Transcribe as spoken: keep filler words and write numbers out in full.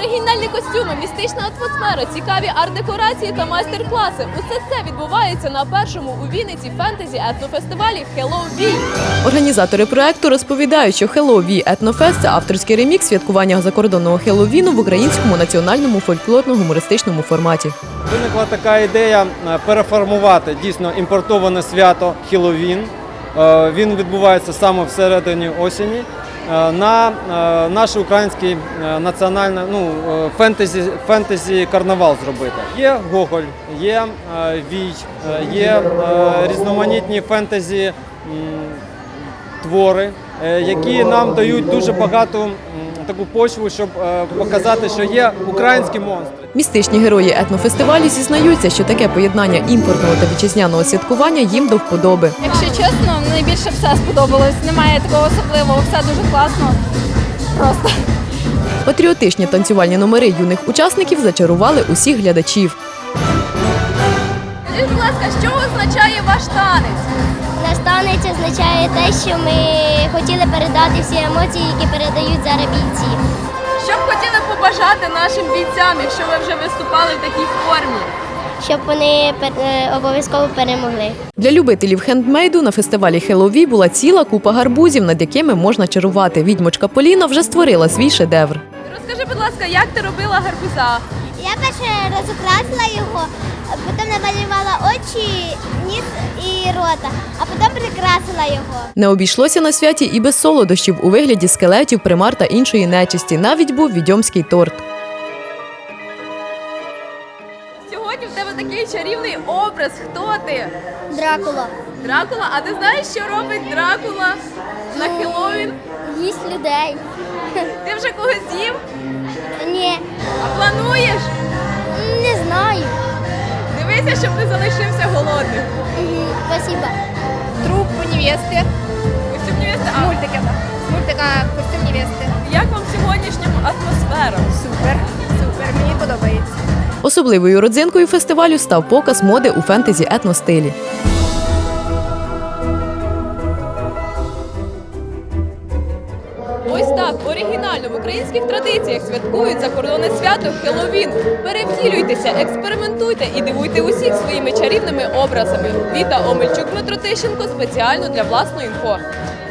Оригінальні костюми, містична атмосфера, цікаві арт-декорації та майстер-класи. Усе це відбувається на першому у Вінниці фентезі-етнофестивалі «Хеллоуін». Організатори проекту розповідають, що «Хеллоуін Етнофест» – це авторський ремікс святкування закордонного Хеллоуіну в українському національному фольклорно-гумористичному форматі. Виникла така ідея переформувати дійсно імпортоване свято Хеллоуін. Він відбувається саме всередині осені. На наш український національний ну, фентезі, фентезі карнавал зробити. Є Гоголь, є Вій, є різноманітні фентезі твори, які нам дають дуже багато таку почву, щоб показати, що є українські монстри. Містичні герої етнофестивалю зізнаються, що таке поєднання імпортного та вітчизняного святкування їм до вподоби. Якщо чесно, найбільше все сподобалось. Немає такого особливого, все дуже класно. Просто. Патріотичні танцювальні номери юних учасників зачарували усіх глядачів. Скажіть, будь ласка, що означає ваш танець? Наш танець означає те, що ми хотіли передати всі емоції, які передають зараз бійці. Що б хотіли побажати нашим бійцям, якщо ви вже виступали в такій формі? Щоб вони обов'язково перемогли. Для любителів хендмейду на фестивалі «Хеллоуін» була ціла купа гарбузів, над якими можна чарувати. Відьмочка Поліна вже створила свій шедевр. Розкажи, будь ласка, як ти робила гарбуза? Я перше розукрасила його, потім намалювала очі, ніс і рота, а потім прикрасила його. Не обійшлося на святі і без солодощів у вигляді скелетів, примар та іншої нечисті. Навіть був відьомський торт. Сьогодні в тебе такий чарівний образ. Хто ти? Дракула. Дракула? А ти знаєш, що робить Дракула на Хеллоуін? Їсть людей. Ти вже когось з'їв? Ні, А плануєш? не знаю. Дивися, щоб не залишився голодним. Угу, спасибо. Труппу невести. Костюм невести? З мультика. З мультика костюм невести. Як вам сьогоднішня атмосфера? Супер. Супер. Мені подобається. Особливою родзинкою фестивалю став показ моди у фентезі-етностилі. Ось так, оригінально в українських традиціях святкують закордонне свято Хеллоуін. Перевтілюйтеся, експериментуйте і дивуйте усіх своїми чарівними образами. Віта Омельчук, Дмитро Тищенко спеціально для власної інфо.